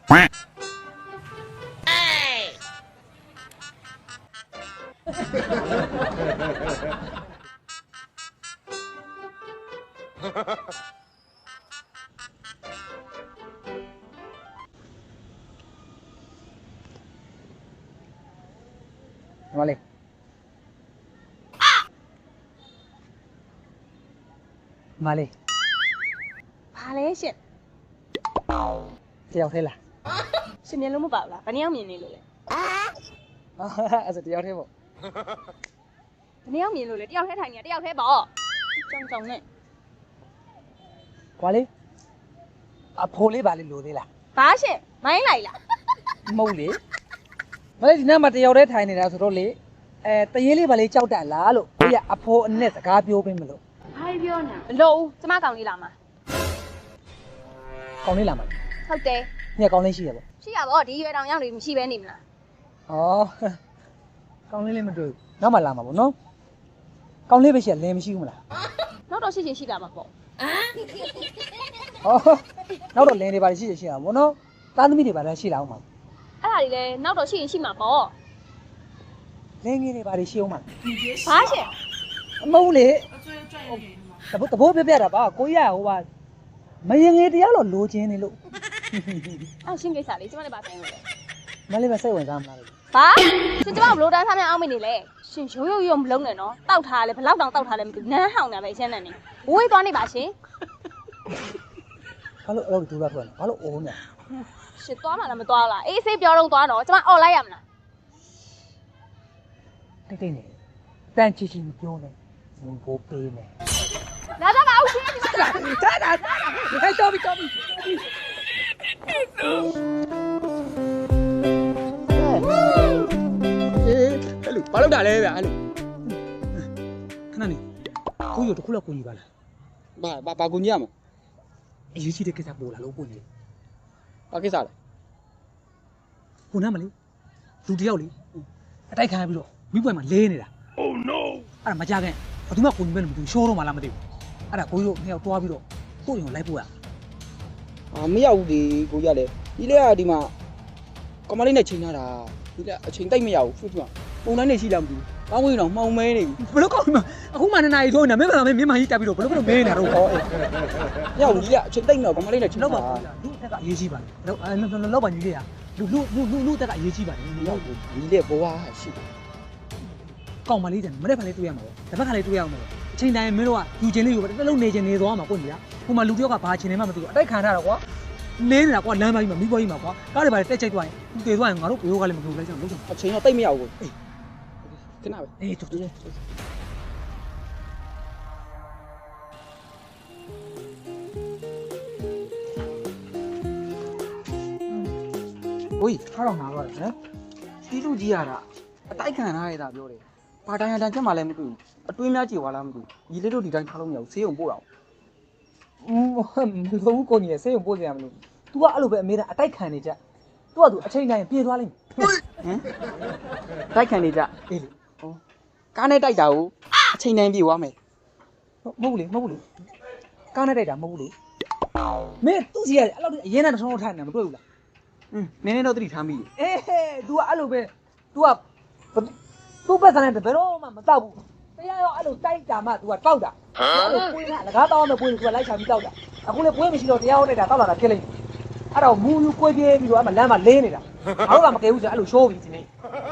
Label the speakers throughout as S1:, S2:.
S1: မလေးမလေး
S2: ဘာလဲရှင်
S1: တယောက်သေးလား
S2: ရှင်မြင်လို့မပါဘူးလားဘယ်နှစ်ယောက်မြင်နေလို့လဲ
S1: အဲ့ဒါတယောက်သေးပေါ့
S2: ဘယ်နှစ်ယောက်မြင်လို့လဲတယောက်ထဲထိုင်နေတယောက်ထဲပေါ့ကြောင်နဲ့
S1: ကွာလေးအဖိုးလေးပါလေးလိုသေးလား
S2: ဘာရှင်မိုင်းလိုက်လား
S1: မဟုတ်လေမလေးဒီနေ့မှတယောက်သေးထိုင်နေတာဆိုတော့လေတရေလေးပါလေးကြောက်တတ်လားလို့ကိုရအဖိုးအနဲ့စကားပြောပေးမလို့
S2: ဘာပြောနေမလို့ကျမကောင်လေးလာမှာ
S1: ကောင်းလေးလာမှာ
S2: ဟုတ်တယ်
S1: ညကောင်းလေးရှိရပေါ့
S2: ရှိရပေါ့ဒီရွယ်တောင်ရောက်နေမရှိပဲနေမလား
S1: ဩကောင်းလေးလေးမတွေ့ဘူးနောက်မှလာမှာပေါ့နော်ကောင်းလေးပဲရှိရလင်းမရှိဘူးမလား
S2: နောက်တော့ရှိချင်ရှိတာမှာပေါ့
S1: ဟောနောက်တော့လင်းတွေပါရှိရရှိရပါဘောနော်သားသမီးတွေပါလည်းရှိလာအောင်ပါ
S2: အဲ့ဒါတွေလည်းနောက်တော့ရှိရင်ရှိမှာပေါ့
S1: လင်းငယ်တွေပါရှိအောင်ပါ
S2: ဘာရှင်
S1: အမဟုတ်လေတဘိုးပြပြတာပါကိုရဟိုပါမရင်ငယ်တရားတော့လိုချင်နေလို့
S2: အဲ့ရှင်းကိစ္စလေးကျမလည်းပါဆိုင်လို့လေ
S1: မလေးမစိတ်ဝင်စားမလားလို့
S2: ဘာရှင်ကျမဘလို့တန်းစားများအောင်မနေလေရှင်ရိုးရိုးမလုံးနဲ့နော်တောက်ထားလဲဘလောက်တောင်တောက်ထားလဲမသိဘူးနန်းဟောင်းတာပဲရှင်းနေနေဝေးသွားနေပါရှင်
S1: ဘာလို့အဲ့လိုဒူလာထွက်လဲဘာလို့အိုးနေ
S2: ရှင်သွားမှလည်းမသွားလားအေးဆေးပြောတော့သွားတော့ကျမအော်လိုက်ရမလား
S1: တိတ်တိတ်နေတန်ချီချီပြောနေဝင်ကိုပေးနေ
S2: လာတော့ပါအောင်ရှင်ဒီမှာ
S1: တာဟဲ့တော်ပြီတော်ပြီ
S3: အဲ့လိုဘာလုပ်တာလဲဗျအဲ့လို
S1: ခဏနေကိုရတခုလောက်ကိုကြီးပါလား
S3: ဘာကူညီရမလဲ
S1: အရေးကြီးတဲ့ကိစ္စပို့လာလို့ကိုကြီး
S3: ဘာကိစ္စလဲ
S1: ကိုနားမလေးလူတယောက်လေအတိုက်ခံရပြီးတော့မိပွဲမှာလဲနေတာ Oh no အဲ့ဒါမကြခင်ဘယ်သူမှကိုကြီးပဲလို့မသိဘူးရှိုးတော့မှလားမသိဘူးအဲ့ဒါကိုကြီးတို့နှစ်ယောက်တွားပြီးတော့ကိုရင်ကိုလိုက်ပို့ရ
S3: မရောက်ဘူးဒီကိုရလေဒီလေကဒီမှာကမလေးနဲ့ချိန်ထားတာဒီလေအချိန်တိတ်မရဘူးသူကပုံတိုင်းနေရှိလားမသိဘူးကောင်းဝင်တော့မှောင်မဲနေပြီ
S1: ဘလို့ကောင်းမှာအခုမှ2နာရီထိုးနေတာမင်းကမင်းကြီးတက်ပြီးတော့ဘလို့မဲနေတာတော့ဟောအေး
S3: ရောက်ဒီလေအချိန်တိတ်တော့ကမလေးနဲ့ချိန်
S1: လောက်
S3: ထား
S1: ပါ
S3: တာ
S1: လူအသက်ကအရေးကြီးပါလောက်ပါညီလေးရလူအသက်ကအရေးကြီးပါတယ်
S3: ရောက်ဒီလေဘဝရှိတယ်
S1: ကောင်းမလေးတယ်မနေ့ကလေးတွေ့ရမှာပေါ့တစ်ဖက်ကလေးတွေ့ရအောင်ပေါ့အချိန်တိုင်းမင်းတို့ကယူချင်းလေးယူပဲတစ်လုံးနေချင်းနေသွားမှာကိုညီကဟိုမှာလူတယောက်ကဘာချင်းနေမှမသိဘူးအတိုက်ခံထားတာကွာနေနေတာကွာလမ်းမကြီးမှာမိဘကြီးမှာကွာကားတွေပါတက်ချိတ်သွားရင်တည်သွားရင်ငါတို့ဘရိုးကလည်းမလုပ်လိုက်ကြအောင်လုပ်ကြအောင်
S3: အချိန်တော့တိတ်မရဘူးအေးခဏပဲ
S1: အေးတူတူဝေးထားတော့ငါတော့နော်
S3: တီးလူကြီးရတာအတိုက်ခံထားရတာပြောတယ်ဘာတိုင်းအတန်ချက်မှလည်းမတွေ့ဘူးအတွင်းများကြေသွားလားမသိဘူးဒီလေးတို့ဒီတိုင်းထားလို့မရဘူးဆေးရုံပို့တော့
S1: မလို့ကိုညီရဲ့ဆေးရုံပို့စရာမလို तू ကအဲ့လိုပဲအမေကအတိုက်ခံနေကြ तू က तू အချိန်တိုင်းပြေးသွားလိမ့်မယ်
S3: ဟမ်တိုက်ခံနေကြ
S1: အေးလေ
S3: ကားနဲ့တိုက်တာကိုအချိန်တိုင်းပြေသွားမယ်
S1: မဟုတ်ဘူးလေကားနဲ့တိုက်တာမဟုတ်ဘူးလေမင်းသူ့စီကအဲ့လိုအရင်ကတထုံးထုံးထိုင်နေတာမတွေ့ဘူးလား
S3: နင်းနေတော့သတိထားမိ
S1: အေး तू ကအဲ့လိုပဲ तू ကသူ့ပတ်စံနဲ့ဘယ်တော့မှမတောက်ဘူးတရားရောအဲ့လိုတိုက်တာမှ तू ကတောက်တာအဲ့လိုပွေးတာလကားတောင်းမဲ့ပွေးလို့ तू ကလိုက်ချပြီးတောက်တာအခုလေပွေးမရှိတော့တရားရောတိုက်တာတောက်လာတာဖြစ်လိမ့်မယ်အဲ့တော့မူယူကွေးပြေးပြီးတော့အဲ့မှာလမ်းမှာလင်းနေတာငါတို့ကမကဲဘူးဆိုအဲ့လိုရှိုးပြီးဒီနေ့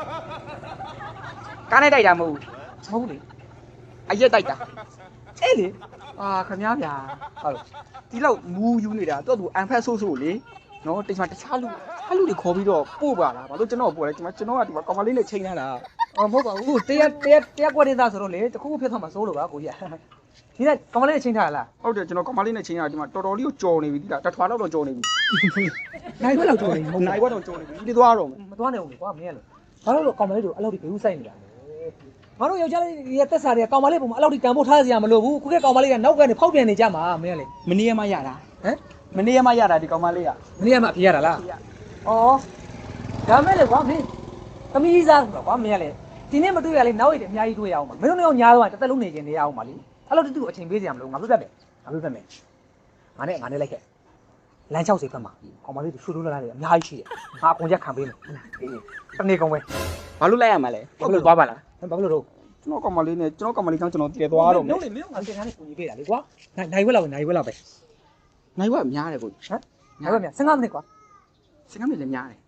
S3: ကားနဲ့တိုက်တာမဟုတ်
S1: မဟုတ်ဘူးလေ
S3: အရက်တိုက်တာ
S1: အေးလေ
S3: အာခမ ्या ဗျာဟုတ်ဒီလောက်မူးယူနေတာတော့သူအန်ဖက်ဆိုးဆိုးလေနော်တိမ်မှာတခြားလူတွေခေါ်ပြီးတော့ပို့ပါလားဘာလို့ကျွန်တော်ပို့လဲကျွန်တော်ကဒီမှာကောင်မလေးနဲ့ချိန်ထားတာ
S1: အော်မဟုတ်ပါဘူးတရားကွက်နေတာဆိုတော့လေတခုခုဖြစ်သွားမှာစိုးလို့ပါကိုကြီးဒီကကောင်မလေးချင်းထားလား
S3: ဟုတ်တယ်ကျွန်တော်ကောင်မလေးနဲ့ချိန်ထားတာဒီမှာတော်တော်လေးကိုကြော်နေပြီဒီလားတထွားတော့ကြော်နေပြီ
S1: နိုင်ဘက်လောက်ကြော်နေမဟုတ်
S3: နိုင်ဘက်တော့ကြော်နေပြီဒီသွားတော့မယ်
S1: မသွားနိုင်ဘူးလေကွာမင်းကလို့ဘာလို့ကောင်မလေးတို့အဲ့လောက်ဒီဘေးဥဆိုင်နေတာလဲငါတို့ယောက်ျားလေးတွေတက်စားတွေကကောင်မလေးပုံမှာအဲ့လောက်ဒီတန်ဖို့ထားစရာမလိုဘူးခုကကောင်မလေးကနောက်ကနေဖောက်ပြန်နေကြမှာမင်းကလေ
S3: မနေ့ကမှရတာ
S1: ဟမ်
S3: မနေ့ကမှရတာဒီကောင်မလေးက
S1: မနေ့ကမှအပြေးရတာလားဩဒါမဲ့လေကွာမင်းသမီးစားကွာမင်းကလေဒီနေ့မတွေ့ရလေနောက်ရည်အများကြီးတွေ့ရအောင်ပါမင်းတို့လည်းညားတော့တစ်သက်လုံးနေခြင်းနေရအောင်ပါလေအဲ့လိုတူတူအချိန်ပေးစရာမလိုငါပြတ်မယ်ငါနဲ့လိုက်ခဲ့လမ်း60ဘက်မှာကောင်မလေးတွေရှူလို့လာတယ်အများကြီးရှိတယ်ငါအကုန်ရက်ခံပေးမယ်တနေ့ကုန်ပဲ
S3: ဘာလို့လိုက်ရမှာလဲဟုတ်လို့သွားပါလား
S1: ဘာလို့လို့
S3: ကျွန်တော်ကောင်မလေးနဲ့ကျွန်တော်ကောင်မလေးကြောင့်ကျွန်တော်တည်သွားတော့မယ်
S1: မင်းငါတင်ထားနဲ့ပုံကြီးပေးတာလေကွာနိုင်ဝက်လောက်ပဲနိုင်ဝက်လောက်ပဲ
S3: နိုင်ဝက်များတယ်ကို
S1: ဟမ်နိုင်ဝက်မြ15မိနစ်ကွာ
S3: 15မိနစ်လည်းများတယ်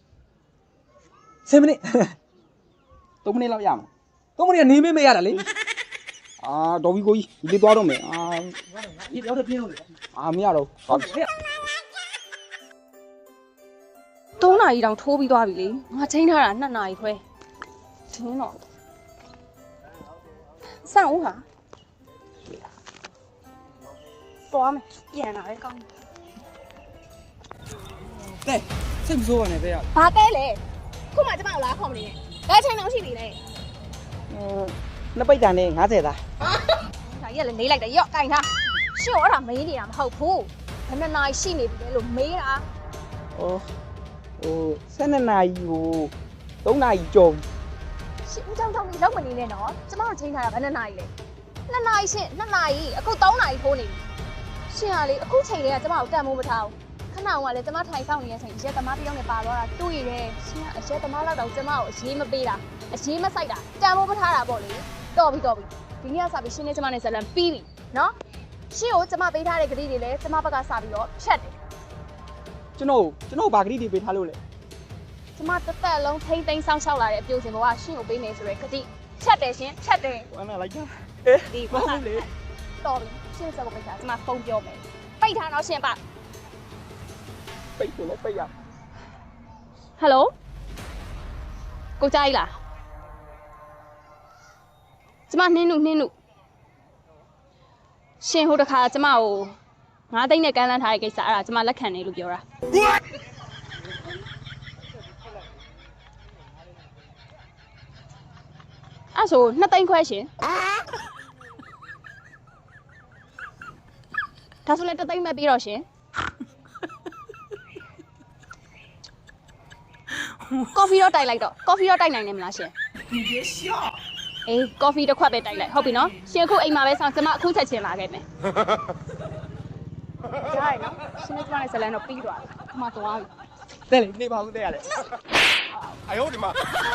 S1: 10မိနစ်
S3: 3မိနစ်လောက်ရမှာ
S1: 3မိနစ်ကနေမရတာလေ
S3: အာတော်ပြီကိုကြီးဒီသွားတော့မယ်အာ
S1: ဒီတော့ပြင်းလို့လေ
S3: မရတော့ဟုတ်
S2: 3နာရီတောင်ထိုးပြီးသွားပြီလေငါချိန်ထားတာ2နာရီခွဲတင်းတော့စံဦးဟာသွားမယ်ပြန်လာပဲကောင်း
S3: တဲ့စိတ်မဆိုးပါနဲ့တဲ့ရ
S2: ဘာကဲလဲခုမှကျမကိုလာခေါ်မနေနဲ့ဒါချိန်တော့ရှိပြီလေ
S3: နှစ်ပိတ်တန်နဲ့90သား
S2: ဒါကြီးကလည်းလေးလိုက်တယ်ရော့ကင်ထားရှင်းတော့အဲ့ဒါမေးနေတာမဟုတ်ဘူးဘယ်နှစ်နာရီရှိနေပြီလဲလို့မေးတာ
S3: ဟို12နာရီကို3နာရီကျော်
S2: ရှင်းဦးကြောင့်နေလောက်မနေနဲ့နော်ကျမတို့ချိန်ထားတာဘယ်နှစ်နာရီလဲ2နာရီရှင်း2နာရီအခု3နာရီထိုးနေပြီရှင်းရလေအခုချိန်လေးကကျမကိုတန်မိုးမထားဘူးခဏကလည်းကျမထိုင်ဆောင်နေတဲ့အချိန်ရဲသမားတစ်ယောက်နဲ့ပါသွားတာတွေ့ရတယ်ရှင်းကအရဲသမားလောက်တော့ကျမကိုအရေးမပေးတာအရေးမဆိုင်တာတန်မိုးမထားတာပေါ့လေတော်ပြီဒီနေ့ကစပြီးရှင်းနေကျမနဲ့ဇလန်ပြီးပြီနော်ရှင်းကိုကျမပေးထားတဲ့ဂတိတွေလည်းကျမဘက်ကစပြီးတော့ဖြတ်တယ်
S3: ကျွန်တော်ဘာဂရိတွေပေးထားလို့လဲ
S2: ကျမတစ်သက်လုံးထိမ့်သိမ်းဆောင်ရှောက်လာတဲ့အပြုစင်ဘဝရှင်းကိုပေးမယ်ဆိုရဲဂတိဖြတ်တယ်ရှင်ဖြတ်တယ်
S3: ဝမ်းနဲ့လိုက်ကြ
S2: ဒီဘာလဲတော်ပြီရှင်းစက်ကိုပိတ်ထားကျမဖုန်းပြောမယ်ပိတ်ထားတော့ရှင်းပါ
S3: ပိတ်ဆိုလဲပိတ်ရ
S2: ဟယ်လိုကိုကြိုက်လားကျမနှင်းနုရှင်ဟိုတခါကျမကို9သိန်းနဲ့ကမ်းလှမ်းထားတဲ့ကိစ္စအဲ့ဒါကျမလက်ခံနေလို့ပြောတာအဲ့ဆို2သိန်းခွဲရှင်ဒါဆိုလည်း1သိန်းပဲပြီးတော့ရှင်ကော်ဖီတော့တိုက်လိုက်တော့ကော်ဖီတော့တိုက်နိုင်နေမလားရှင်ဒီပြရှော့အေးကော်ဖီတစ်ခွက်ပဲတိုက်လိုက်ဟုတ်ပြီနော်ရှင်အခုအိမ်မှာပဲဆောင်ကျမအခုချက်ချင်းလာခဲ့မယ်ကြားရနော်ရှင်နဲ့ကျမနဲ့ဇလန်တော့ပြီးသွားပြီအမသွားပြီ
S3: တဲ့လေနေပါဦးတဲ့ရလေ哎呦我的妈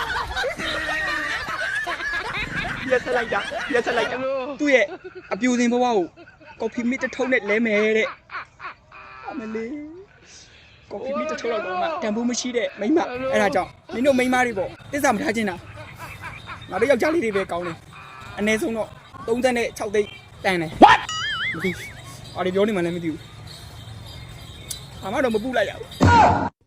S3: ရက်ဆက်လိုက်တာသူ့ရဲ့အပြူစင်ဘဝကိုကော်ဖီမစ်တစ်ထုပ်နဲ့လဲမယ်တဲ့အမလေးကော်ဖီမစ်တစ်ထုပ်လောက်တော့မှတန်ဖိုးမရှိတဲ့မိန်းမအဲ့ဒါကြောင့်မင်းတို့မိန်းမတွေပေါ့တစ္ဆာမထားချင်တာငါတို့ယောက်ျားလေးတွေပဲကောင်းတယ်အနည်းဆုံးတော့36သိန်းတန်တယ် what မသိဘူးအော်ဒီပြောနေမှလည်းမသိဘူးအမတော့မပူလိုက်ရဘူး